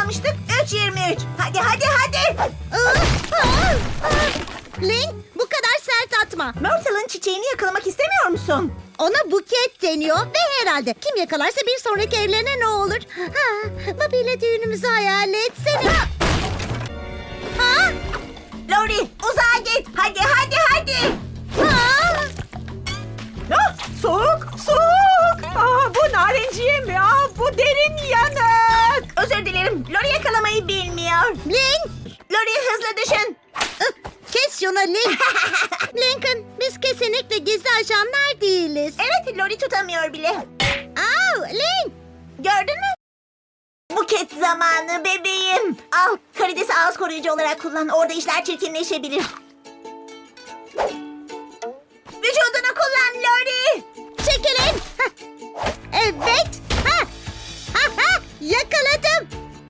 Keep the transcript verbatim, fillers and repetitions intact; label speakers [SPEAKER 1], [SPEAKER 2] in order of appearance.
[SPEAKER 1] yakalamıştık? üç yirmi üç. Hadi hadi hadi.
[SPEAKER 2] Link, bu kadar sert atma.
[SPEAKER 1] Myrtle'ın çiçeğini yakalamak istemiyor musun?
[SPEAKER 2] Ona buket deniyor ve herhalde kim yakalarsa bir sonraki evlerine ne olur? Ha, Bobby ile düğünümüzü hayal etsene. Ha?
[SPEAKER 1] Lori uzağa git. Hadi hadi hadi.
[SPEAKER 2] Ha?
[SPEAKER 1] Ah, soğuk soğuk. Aa, bu narenciye mi? Aa, bu derin yanık. Özür dilerim. Lori yakalamayı bilmiyor.
[SPEAKER 2] Link,
[SPEAKER 1] Lori hızlı düşün.
[SPEAKER 2] ıh, kes şunu Link. Lincoln, biz kesinlikle gizli ajanlar değiliz.
[SPEAKER 1] Evet Lori tutamıyor bile.
[SPEAKER 2] Au, Link.
[SPEAKER 1] Gördün mü? Buket zamanı bebeğim. Al karidesi ağız koruyucu olarak kullan. Orada işler çirkinleşebilir. Vücudunu kullan Lori.
[SPEAKER 2] Çekilin. Hah. Evet. Ha. Ha, ha. Yakaladım.